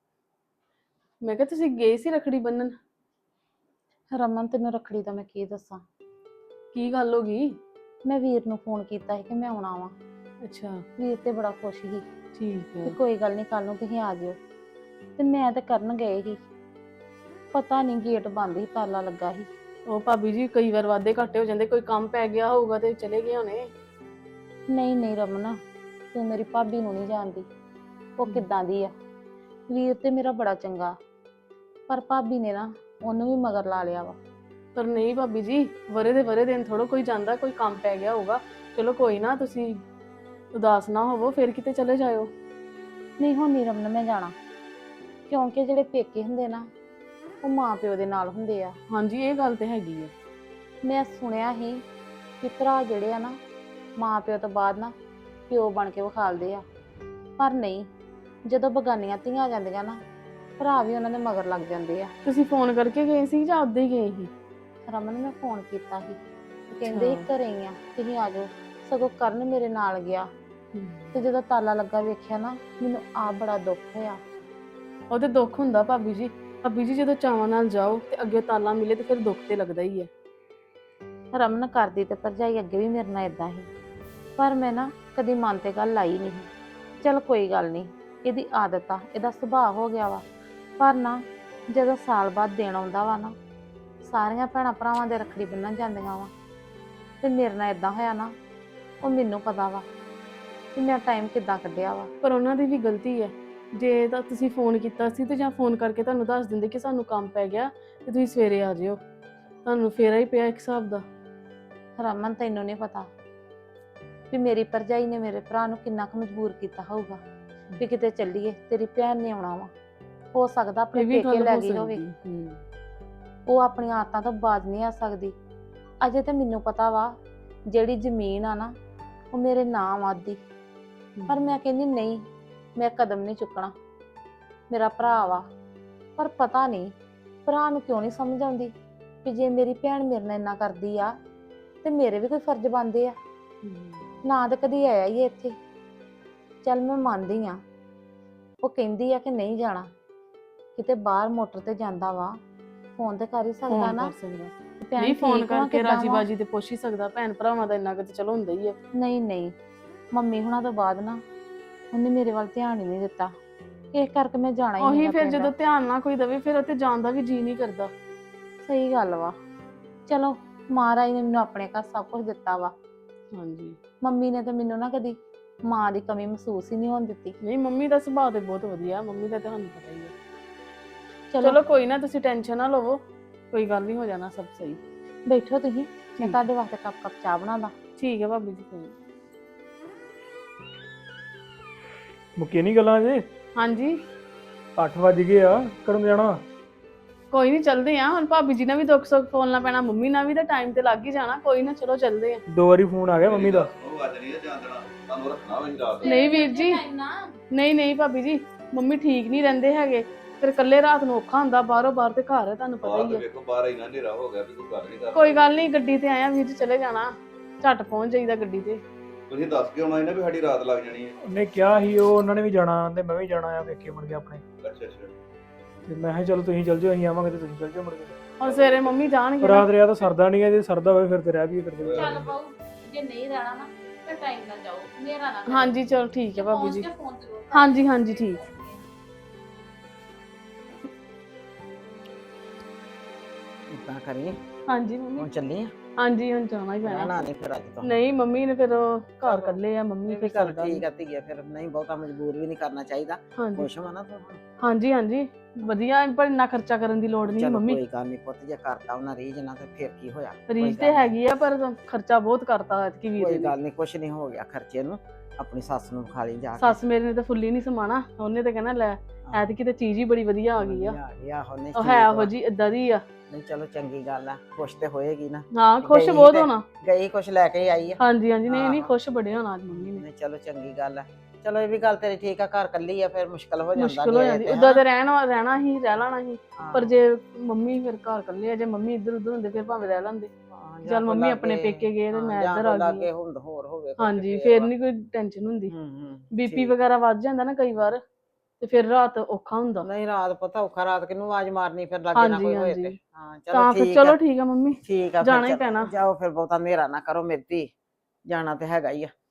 ਮੈਂ ਕਿਹਾ ਤੁਸੀਂ ਗਏ ਸੀ ਰੱਖੜੀ ਬੰਨਣ।
ਰਮਨ ਤੈਨੂੰ ਰੱਖੜੀ ਦਾ ਮੈਂ ਕੀ ਦੱਸਾਂ।
ਕੀ ਗੱਲ ਹੋ ਗਈ?
ਮੈਂ ਵੀਰ ਨੂੰ ਫੋਨ ਕੀਤਾ ਸੀ ਕਿ ਮੈਂ ਆਉਣਾ ਵਾ।
ਅੱਛਾ
ਵੀਰ ਤੇ ਬੜਾ ਖੁਸ਼ ਸੀ
ਠੀਕ
ਕਿ
ਹੈ।
ਕੋਈ ਗੱਲ ਨਹੀਂ ਕੱਲ ਨੂੰ ਤੁਸੀਂ ਆ ਜਿਓ। ਤੇ ਮੈਂ ਤੇ ਕਰਨ ਗਏ ਸੀ, ਪਤਾ ਨਹੀਂ ਗੇਟ ਬੰਦ ਸੀ, ਤਾਲਾ ਲੱਗਾ ਸੀ।
ਉਹ ਭਾਬੀ ਜੀ ਕਈ ਵਾਰ ਵਾਧੇ ਘਾਟੇ ਹੋ ਜਾਂਦੇ, ਕੋਈ ਕੰਮ ਪੈ ਗਿਆ ਹੋਊਗਾ ਤੇ ਚਲੇ ਗਏ ਹੋਣੇ।
ਨਹੀਂ ਨਹੀਂ ਰਮਨ, ਤੂੰ ਮੇਰੀ ਭਾਬੀ ਨੂੰ ਨਹੀਂ ਜਾਣਦੀ ਉਹ ਕਿੱਦਾਂ ਦੀ ਆ। ਵੀਰ ਤੇ ਮੇਰਾ ਬੜਾ ਚੰਗਾ, ਪਰ ਭਾਬੀ ਨੇ ਨਾ ਉਹਨੂੰ ਵੀ ਮਗਰ ਲਾ ਲਿਆ ਵਾ।
ਪਰ ਨਹੀਂ ਭਾਬੀ ਜੀ, ਵਰੇ ਦੇ ਵਰੇ ਦਿਨ ਥੋੜਾ ਕੋਈ ਜਾਂਦਾ, ਕੋਈ ਕੰਮ ਪੈ ਗਿਆ ਹੋਊਗਾ। ਚਲੋ ਕੋਈ ਨਾ, ਤੁਸੀਂ ਉਦਾਸ ਨਾ ਹੋਵੋ, ਫਿਰ ਕਿਤੇ ਚਲੇ ਜਾਇਓ।
ਨਹੀਂ ਹੁਣ ਨਹੀਂ ਰਮਨ ਮੈਂ ਜਾਣਾ, ਕਿਉਂਕਿ ਜਿਹੜੇ ਪੇਕੇ ਹੁੰਦੇ ਨਾ ਉਹ ਮਾਂ ਪਿਓ ਦੇ ਨਾਲ ਹੁੰਦੇ ਆ।
ਹਾਂਜੀ ਇਹ ਗੱਲ ਤੇ ਹੈਗੀ ਹੈ।
ਮੈਂ ਸੁਣਿਆ ਸੀ ਕਿ ਭਰਾ ਜਿਹੜੇ ਆ ਨਾ ਮਾਂ ਪਿਓ ਤੋਂ ਬਾਅਦ ਨਾ ਪਿਓ ਬਣ ਕੇ ਵਿਖਾਲਦੇ ਆ, ਪਰ ਨਹੀਂ, ਜਦੋਂ ਬਗਾਨੀਆਂ ਧੀਆਂ ਆ ਜਾਂਦੀਆਂ ਨਾ ਭਰਾ ਵੀ ਉਹਨਾਂ ਦੇ ਮਗਰ ਲੱਗ ਜਾਂਦੇ ਆ।
ਤੁਸੀਂ ਫੋਨ ਕਰਕੇ ਗਏ ਸੀ ਜਾਂ ਉਦਾਂ ਹੀ ਗਏ ਸੀ?
ਰਮਨ ਮੈਂ ਫੋਨ ਕੀਤਾ ਸੀ ਤੇ ਕਹਿੰਦੇ ਸੀ ਘਰੇ ਹੀ ਆ, ਤੁਸੀਂ ਆ ਜਾਓ। ਸਗੋਂ ਕਰਨ ਮੇਰੇ ਨਾਲ ਗਿਆ ਤੇ ਜਦੋਂ ਤਾਲਾ ਲੱਗਾ ਵੇਖਿਆ ਨਾ, ਮੈਨੂੰ ਆਪ ਬੜਾ ਦੁੱਖ ਹੋਇਆ।
ਉਹ ਤੇ ਦੁੱਖ ਹੁੰਦਾ ਭਾਬੀ ਜੀ। ਭਾਬੀ ਜੀ ਜਦੋਂ ਚਾਵਾਂ ਨਾਲ ਜਾਓ ਤੇ ਅੱਗੇ ਤਾਲਾ ਮਿਲੇ ਤੇ ਫਿਰ ਦੁੱਖ ਤੇ ਲੱਗਦਾ ਹੀ ਹੈ।
ਰਮਨ ਕਰਦੀ ਤੇ ਭਰਜਾਈ ਅੱਗੇ ਵੀ ਮੇਰੇ ਨਾਲ ਇਦਾਂ ਹੀ, ਪਰ ਮੈਂ ਨਾ ਕਦੀ ਮਨ ਤੇ ਗੱਲ ਲਾਈ ਨਹੀਂ। ਚਲ ਕੋਈ ਗੱਲ ਨਹੀਂ, ਇਹਦੀ ਆਦਤ ਆ, ਇਹਦਾ ਸੁਭਾਅ ਹੋ ਗਿਆ ਵਾ। ਪਰ ਨਾ ਜਦੋਂ ਸਾਲ ਬਾਅਦ ਦਿਨ ਆਉਂਦਾ ਵਾ ਨਾ, ਸਾਰੀਆਂ ਭੈਣਾਂ ਭਰਾਵਾਂ ਦੇ ਰੱਖੜੀ ਬੰਨ੍ਹਣ ਜਾਂਦੀਆਂ ਵਾ, ਤੇ ਮੇਰੇ ਨਾਲ ਇਦਾਂ ਹੋਇਆ ਨਾ, ਉਹ ਮੈਨੂੰ ਪਤਾ ਵਾ ਕਿ ਮੈਂ ਟਾਈਮ ਕਿੱਦਾਂ ਕੱਢਿਆ ਵਾ।
ਪਰ ਉਹਨਾਂ ਦੀ ਵੀ ਗਲਤੀ ਹੈ। ਜੇ ਤਾਂ ਤੁਸੀਂ ਫੋਨ ਕੀਤਾ ਸੀ ਤੇ ਜਾਂ ਫੋਨ ਕਰਕੇ ਤੁਹਾਨੂੰ ਦੱਸ ਦਿੰਦੇ ਕਿ ਸਾਨੂੰ ਕੰਮ ਪੈ ਗਿਆ ਤੇ ਤੁਸੀਂ ਸਵੇਰੇ ਆ ਜਿਓ, ਤੁਹਾਨੂੰ ਫੇਰਾ ਹੀ ਪਿਆ ਇੱਕ ਹਿਸਾਬ ਦਾ।
ਰਮਨ ਤੈਨੂੰ ਨਹੀਂ ਪਤਾ ਵੀ ਮੇਰੀ ਭਰਜਾਈ ਨੇ ਮੇਰੇ ਭਰਾ ਨੂੰ ਕਿੰਨਾ ਕੁ ਮਜਬੂਰ ਕੀਤਾ ਹੋਊਗਾ ਵੀ ਕਿਤੇ ਚੱਲੀਏ, ਤੇਰੀ ਭੈਣ ਨੇ ਆਉਣਾ ਵਾ। ਹੋ ਸਕਦਾ ਆਪਣੇ
ਇਹ ਵੀ
ਪੇਕੇ
ਗੱਲ
ਲੈ
ਹੋ
ਗਈ ਹੋਵੇ,
ਸਕਦੀ।
ਉਹ ਆਪਣੀਆਂ ਆਦਤਾਂ ਤੋਂ ਬਾਜ਼ ਨਹੀਂ ਆ ਸਕਦੀ। ਅਜੇ ਤੇ ਮੈਨੂੰ ਪਤਾ ਵਾ ਜਿਹੜੀ ਜ਼ਮੀਨ ਆ ਨਾ ਉਹ ਮੇਰੇ ਨਾਮ ਆਦੀ, ਪਰ ਮੈਂ ਕਹਿੰਦੀ ਨਹੀਂ, ਮੈਂ ਕਦਮ ਨਹੀਂ ਚੁੱਕਣਾ। ਮੇਰਾ ਭਰਾ ਵਾ, ਪਰ ਪਤਾ ਨਹੀਂ ਭਰਾ ਨੂੰ ਕਿਉਂ ਨਹੀਂ ਸਮਝ ਆਉਂਦੀ ਕਿ ਜੇ ਮੇਰੀ ਭੈਣ ਮੇਰੇ ਨਾਲ ਇੰਨਾ ਕਰਦੀ ਆ ਤੇ ਮੇਰੇ ਵੀ ਕੋਈ ਫਰਜ਼ ਬਣਦੇ ਆ। ਨਾ ਤਾਂ ਕਦੀ ਆਇਆ ਹੀ ਇੱਥੇ। ਚੱਲ ਮੈਂ ਮੰਨਦੀ ਆ, ਉਹ ਕਹਿੰਦੀ ਆ ਕਿ ਨਹੀਂ ਜਾਣਾ, ਕਿਤੇ ਬਾਹਰ ਮੋਟਰ ਤੇ ਜਾਂਦਾ ਵਾ, ਫੋਨ ਤੇ ਕਰ ਹੀ ਸਕਦਾ
ਫੋਨ
ਨਾ।
ਕਰ ਸਕਦਾ
ਭੈਣ
ਨਹੀਂ, ਫੋਨ
ਠੀਕ ਵਾ,
ਕਰਕੇ
ਕਿੱਦਾਂ
ਰਾਜੀ
ਵਾ?
ਬਾਜੀ ਤੇ ਪੁੱਛ ਹੀ ਸਕਦਾ। ਭੈਣ ਭਰਾਵਾਂ ਦਾ ਇੰਨਾ ਕੁ ਤੇ ਚਲੋ ਹੁੰਦਾ ਹੀ ਹੈ।
ਨਹੀਂ ਨਹੀਂ, ਮੰਮੀ ਹੁਣਾਂ ਤੋਂ ਬਾਅਦ ਨਾ ਉਹਨੇ ਮੇਰੇ ਵੱਲ ਧਿਆਨ ਹੀ ਨਹੀਂ ਦਿੱਤਾ, ਇਸ ਕਰਕੇ ਮੈਂ ਜਾਣਾ ਹੀ
ਉਹੀ
ਨਹੀਂ।
ਫਿਰ ਜਦੋਂ ਧਿਆਨ ਨਾ ਕੋਈ ਦਵੇ ਫਿਰ ਉੱਥੇ ਜਾਣ ਦਾ ਵੀ ਜੀ ਨਹੀਂ ਕਰਦਾ।
ਸਹੀ ਗੱਲ ਵਾ। ਚਲੋ ਮਹਾਰਾਜ ਨੇ ਮੈਨੂੰ ਆਪਣੇ ਘਰ ਸਭ ਕੁਝ ਦਿੱਤਾ ਵਾ।
ਹਾਂਜੀ
ਮੰਮੀ ਨੇ ਤਾਂ ਮੈਨੂੰ ਨਾ ਕਦੀ ਮਾਂ ਦੀ ਕਮੀ ਮਹਿਸੂਸ ਹੀ ਨਹੀਂ ਹੋਣ ਦਿੱਤੀ।
ਨਹੀਂ, ਮੰਮੀ ਦਾ ਸੁਭਾਅ ਤੇ ਬਹੁਤ ਵਧੀਆ, ਮੰਮੀ ਦਾ ਤੁਹਾਨੂੰ ਪਤਾ ਹੀ ਹੈ।
ਚਲੋ
ਚਲੋ ਕੋਈ ਨਾ, ਤੁਸੀਂ ਟੈਨਸ਼ਨ ਨਾ ਲਵੋ, ਕੋਈ ਗੱਲ ਨਹੀਂ, ਹੋ ਜਾਣਾ ਸਭ ਸਹੀ।
ਬੈਠੋ ਤੁਸੀਂ, ਮੈਂ
ਠੀਕ।
ਤੁਹਾਡੇ ਵਾਸਤੇ ਕੱਪ ਚਾਹ ਬਣਾਦਾ।
ਠੀਕ ਹੈ ਭਾਬੀ ਜੀ, ਕੋਈ ਨੀ।
ਮੁੱਕੀ ਨਹੀਂ ਗੱਲਾਂ ਜੇ।
ਹਾਂਜੀ
8 ਵਜ ਗਏ ਆ, ਕਦੋਂ ਜਾਣਾ?
ਕੋਈ ਨਹੀਂ, ਚੱਲਦੇ ਆ ਹੁਣ। ਭਾਬੀ ਜੀ ਨਾਲ ਵੀ ਦੁੱਖ ਸੁੱਖ ਫੋਲਣਾ ਪੈਣਾ, ਮੰਮੀ ਨਾਲ ਵੀ, ਤਾਂ ਟਾਈਮ ਤੇ ਲੱਗ ਹੀ ਜਾਣਾ। ਕੋਈ ਨਾ, ਚਲੋ ਚੱਲਦੇ ਆ।
2 ਵਾਰੀ ਫੋਨ ਆ ਗਿਆ ਮੰਮੀ ਦਾ।
ਉਹ ਅੱਜ ਨਹੀਂ ਜਾਣ ਦੇਣਾ, ਤੁਹਾਨੂੰ ਰੱਖਣਾ ਹੋਈ ਰਾਤ।
ਨਹੀਂ ਵੀਰ ਜੀ, ਨਹੀਂ ਨਹੀਂ ਭਾਬੀ ਜੀ, ਮੰਮੀ ਠੀਕ ਨਹੀਂ ਰਹਿੰਦੇ ਹੈਗੇ, ਫਿਰ ਇਕੱਲੇ ਰਾਤ ਨੂੰ ਔਖਾ ਹੁੰਦਾ। ਬਾਹਰੋਂ ਬਾਹਰ ਤੇ ਘਰ ਹੈ, ਤੁਹਾਨੂੰ ਪਤਾ
ਬਾਹਰ
ਹੀ
ਤੇ
ਹੈ।
ਵੇਖੋ, ਬਾਹਰ ਇੰਨਾ ਹਨੇਰਾ ਹੋ ਗਿਆ ਵੀ ਕੋਈ ਗੱਲ ਨਹੀਂ ਕਰਦਾ।
ਕੋਈ ਗੱਲ ਨਹੀਂ, ਗੱਡੀ ਤੇ ਆਇਆ ਵੀਰ ਜੀ, ਚਲੇ ਜਾਣਾ, ਝੱਟ ਪਹੁੰਚ ਜਾਈਦਾ ਗੱਡੀ ਤੇ।
ਤੁਸੀਂ ਦੱਸ ਕੇ ਆਉਣਾ ਸੀ ਨਾ ਵੀ ਸਾਡੀ ਰਾਤ ਲੱਗ ਜਾਣੀ ਹੈ।
ਉਹਨੇ ਕਿਹਾ ਸੀ, ਉਹ ਉਹਨਾਂ ਨੇ ਵੀ ਜਾਣਾ ਤੇ ਮੈਂ ਵੀ ਜਾਣਾ ਆ, ਵੇਖੇ ਮੁੜ ਕੇ ਆਪਣੇ।
ਅੱਛਾ ਅੱਛਾ।
ਤੇ ਮੈਂ ਕਿਹਾ ਚਲੋ ਤੁਸੀਂ ਚੱਲ ਜਾਓ, ਅਸੀਂ ਆਵਾਂਗੇ ਤੇ ਤੁਸੀਂ ਚੱਲ ਜਾਓ ਮੁੜ ਕੇ।
ਹੁਣ ਸਵੇਰੇ ਮੰਮੀ ਜਾਣਗੇ ਨਾ।
ਰਾਤ ਰਿਆ ਤਾਂ ਸਰਦਾ ਨਹੀਂ ਹੈ, ਜੇ ਸਰਦਾ ਹੋਵੇ ਫਿਰ ਤੇ ਰਹਿ ਵੀ ਕਰਦੇ।
ਚੱਲ ਬਾਊ, ਜੇ ਨਹੀਂ ਰਹਿਣਾ ਨਾ ਤੇ ਟਾਈਮ ਨਾਲ ਜਾਓ, ਮੇਰਾ ਨਾ
ਹਾਂਜੀ ਚਲੋ ਠੀਕ ਹੈ ਭਾਬੀ ਜੀ।
ਫੋਨ ਜ਼ਰੂਰ
ਹਾਂਜੀ ਹਾਂਜੀ ਠੀਕ।
ਇਦਾਂ ਕਰੀ
ਹਾਂਜੀ ਮੰਮੀ।
ਹੁਣ ਚੱਲੀ ਆ।
ਹਾਂਜੀ ਹੁਣ ਜਾਣਾ ਹੀ ਪੈਣਾ।
ਰਹਿਣਾ ਨਹੀਂ ਫਿਰ ਅੱਜ ਤੋਂ।
ਨਹੀਂ ਮੰਮੀ ਨੇ ਫਿਰ ਉਹ ਘਰ ਕੱਲੇ ਆ, ਮੰਮੀ
ਇਹ
ਫਿਰ
ਵੀ ਗੱਲ
ਸਰਦਾ
ਠੀਕ ਆ ਧੀਏ, ਫਿਰ ਨਹੀਂ ਬਹੁਤਾ ਮਜਬੂਰ ਵੀ ਨਹੀਂ ਕਰਨਾ ਚਾਹੀਦਾ।
ਹਾਂਜੀ
ਖੁਸ਼ ਹੋਣਾ ਤੂੰ ਹੁਣ।
ਹਾਂਜੀ ਹਾਂਜੀ ਵਧੀਆ, ਪਰ ਇੰਨਾ ਖਰਚਾ ਕਰਨ ਦੀ ਲੋੜ ਨਹੀਂ
ਚਲੋ
ਮੰਮੀ।
ਕੋਈ ਗੱਲ ਨਹੀਂ ਪੁੱਤ, ਜੇ ਕਰਤਾ ਉਹਨਾਂ ਰੀਝ ਨਾ ਤੇ ਫਿਰ ਕੀ ਹੋਇਆ।
ਰੀਝ ਤੇ ਹੈਗੀ ਆ, ਪਰ ਖਰਚਾ ਬਹੁਤ ਕਰਤਾ ਐਤਕੀ ਵੀਰੇ
ਕੋਈ
ਨੇ।
ਗੱਲ ਨਹੀਂ, ਕੁਛ ਨਹੀਂ ਹੋ ਗਿਆ ਖਰਚੇ ਨੂੰ। ਆਪਣੀ ਸੱਸ ਨੂੰ ਖਾ ਲਈ ਜਾ ਕੇ
ਸੱਸ ਮੇਰੇ ਨੇ ਤਾਂ ਫੁੱਲੀ ਨਹੀਂ ਸਮਾਣਾ, ਉਹਨੇ ਤਾਂ ਕਹਿਣਾ ਲੈ ਐਤਕੀ ਤਾਂ ਚੀਜ਼ ਹੀ ਬੜੀ ਵਧੀਆ ਆ ਗਈ ਆ।
ਉਹਨੇ
ਉਹ ਹੈ ਉਹ ਜੀ ਇਦਾਂ ਦੀ ਆ।
ਨਹੀਂ ਚਲੋ ਚੰਗੀ ਗੱਲ ਆ, ਖੁਸ਼ ਤੇ ਹੋਏਗੀ ਨਾ।
ਹਾਂ ਖੁਸ਼
ਗਈ
ਬਹੁਤ
ਤੇ-
ਹੋਣਾ।
ਗਈ ਕੁਛ ਲੈ ਕੇ ਆਈ ਆ।
ਹਾਂਜੀ ਹਾਂਜੀ, ਨਹੀਂ ਨਹੀਂ
ਹਾਂ।
ਖੁਸ਼ ਬੜੇ ਹੋਣਾ ਅੱਜ ਮੰਮੀ ਨੇ।
ਨਹੀਂ ਚਲੋ ਚੰਗੀ ਗੱਲ ਆ। ਚਲੋ ਇਹ ਵੀ ਗੱਲ ਤੇਰੀ ਠੀਕ ਆ, ਘਰ ਕੱਲੀ ਆ ਫਿਰ ਮੁਸ਼ਕਲ ਹੋ ਜਾਂਦਾ।
ਮੁਸ਼ਕਿਲ ਹੋ
ਜੇ
ਜਾਂਦੀ,
ਤੇ
ਉਦਾਂ
ਹਨਾ।
ਤੇ ਰਹਿਣਾ ਹੀ ਰਹਿ ਲੈਣਾ ਸੀ,
ਹਾਂ,
ਪਰ ਜੇ ਮੰਮੀ ਫਿਰ ਘਰ ਇਕੱਲੇ ਆ, ਜੇ ਮੰਮੀ ਇੱਧਰ ਉੱਧਰ ਹੁੰਦੇ ਫਿਰ ਭਾਵੇਂ ਰਹਿ ਲੈਂਦੇ।
ਹਾਂ, ਜਾਂ
ਚੱਲ
ਕੋਈ
ਮੰਮੀ ਆਪਣੇ
ਲਾਗੇ-
ਪੇਕੇ ਗਏ ਤੇ
ਹਾਂ,
ਮੈਂ
ਜਾਂ
ਇੱਧਰ
ਕੋਈ
ਆ ਗਈ
ਲਾਗੇ
ਆ।
ਹੋਰ ਹੋਵੇ ਕੁਛ
ਹਾਂਜੀ
ਫੇਰ
ਫਿਰ
ਵਾ।
ਨਹੀਂ ਕੋਈ ਟੈਨਸ਼ਨ ਹੁੰਦੀ। ਬੀਪੀ
ਠੀਕ।
ਵਗੈਰਾ ਵੱਧ ਜਾਂਦਾ ਨਾ ਕਈ ਵਾਰ, ਤੇ ਫਿਰ ਰਾਤ ਔਖਾ ਹੁੰਦਾ।
ਨਹੀਂ ਰਾਤ ਪਤਾ ਔਖਾ, ਰਾਤ ਕਿਹਨੂੰ ਆਵਾਜ਼ ਮਾਰਨੀ ਫਿਰ ਲਾਗੇ ਨਾ
ਹਾਂਜੀ
ਕੋਈ ਹੋਏ
ਹਾਂਜੀ,
ਤੇ। ਹਾਂ ਚਲੋ
ਤਾਂ ਫਿਰ
ਠੀਕ
ਚਲੋ
ਆ।
ਠੀਕ ਆ ਮੰਮੀ,
ਠੀਕ ਆ, ਫਿਰ
ਜਾਣਾ ਹੀ
ਚੱਲ-
ਪੈਣਾ।
ਜਾਓ ਫਿਰ, ਬਹੁਤਾ ਹਨੇਰਾ ਨਾ ਕਰੋ ਮੇਰੀ ਧੀ, ਜਾਣਾ ਤੇ ਹੈਗਾ ਹੀ ਆ।